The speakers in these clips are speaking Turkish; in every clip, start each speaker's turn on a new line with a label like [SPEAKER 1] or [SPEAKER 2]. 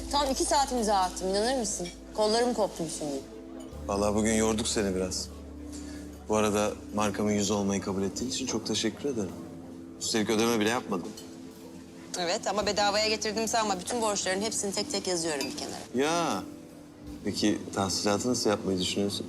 [SPEAKER 1] Tam 2 saat imza attım, inanır mısın? Kollarım koptu şimdi.
[SPEAKER 2] Vallahi bugün yorduk seni biraz. Bu arada markamın yüzü olmayı kabul ettiğin için çok teşekkür ederim. Üstelik ödeme bile yapmadım.
[SPEAKER 1] Evet ama bedavaya getirdim sanma. Bütün borçların hepsini tek tek yazıyorum bir kenara.
[SPEAKER 2] Ya. Peki tahsilatı nasıl yapmayı düşünüyorsun?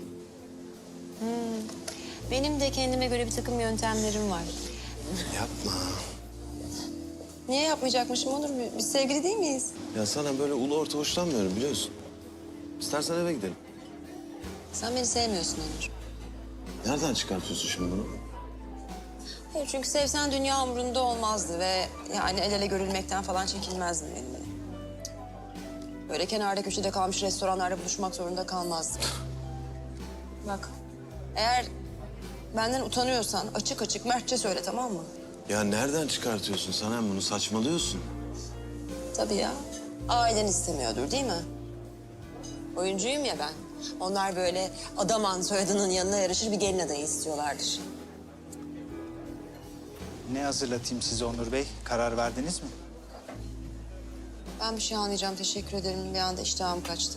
[SPEAKER 1] Benim de kendime göre bir takım yöntemlerim var.
[SPEAKER 2] Yapma.
[SPEAKER 1] Niye yapmayacakmışım Onur? Biz sevgili değil miyiz?
[SPEAKER 2] Ya sana böyle ulu orta hoşlanmıyorum biliyorsun. İstersen eve gidelim.
[SPEAKER 1] Sen beni sevmiyorsun Onur.
[SPEAKER 2] Nereden çıkartıyorsun şimdi bunu?
[SPEAKER 1] Hayır çünkü sevsen dünya umurunda olmazdı ve yani el ele görülmekten falan çekinmezdin benimle. Böyle kenarda köşede kalmış restoranlarda buluşmak zorunda kalmazdım. Bak, eğer benden utanıyorsan açık açık mertçe söyle, tamam mı?
[SPEAKER 2] Ya nereden çıkartıyorsun sen bunu? Saçmalıyorsun.
[SPEAKER 1] Tabii ya. Ailen istemiyordur değil mi? Oyuncuyum ya ben. Onlar böyle Adaman soyadının yanına yarışır bir gelin adayı istiyorlardır.
[SPEAKER 3] Ne hazırlatayım size Onur Bey? Karar verdiniz mi?
[SPEAKER 1] Ben bir şey anlayacağım, teşekkür ederim. Bir anda iştahım kaçtı.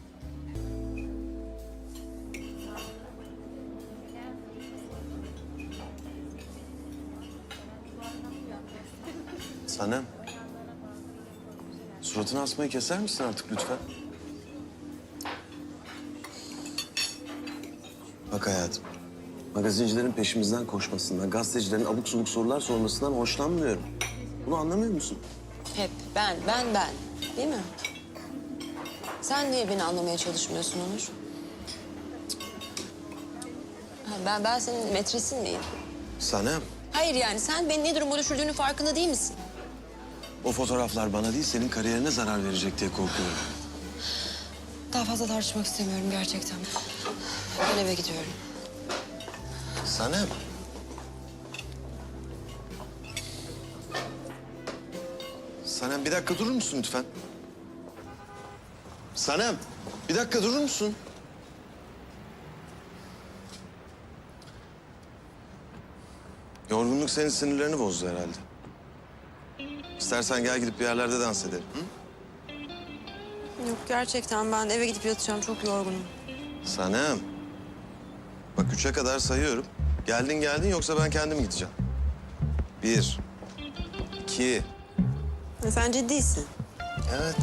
[SPEAKER 2] Sanem. Suratını asmayı keser misin artık lütfen? Bak hayatım. Magazincilerin peşimizden koşmasından, gazetecilerin abuk subuk sorular sormasından hoşlanmıyorum. Bunu anlamıyor musun?
[SPEAKER 1] Hep ben. Değil mi? Sen niye beni anlamaya çalışmıyorsun Onur? Ha, ben senin metresin miyim?
[SPEAKER 2] Sanem,
[SPEAKER 1] Hayır yani sen beni ne duruma düşürdüğünün farkında değil misin?
[SPEAKER 2] o fotoğraflar bana değil senin kariyerine zarar verecek diye korkuyorum.
[SPEAKER 1] Daha fazla tartışmak istemiyorum gerçekten. Ben eve gidiyorum.
[SPEAKER 2] Sanem. Sanem bir dakika durur musun lütfen? Sanem bir dakika durur musun? Yorgunluk senin sinirlerini bozdu herhalde. İstersen gel gidip bir yerlerde dans edelim. Hı?
[SPEAKER 1] Yok gerçekten ben eve gidip yatacağım, çok yorgunum.
[SPEAKER 2] Sanem. Bak 3'e kadar sayıyorum. Geldin yoksa ben kendim gideceğim. 1, 2.
[SPEAKER 1] Sen ciddisin.
[SPEAKER 2] Evet.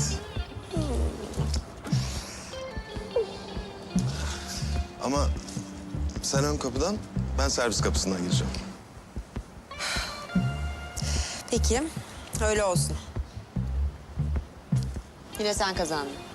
[SPEAKER 2] Ama sen ön kapıdan, ben servis kapısından gireceğim.
[SPEAKER 1] Peki, öyle olsun. Yine sen kazandın.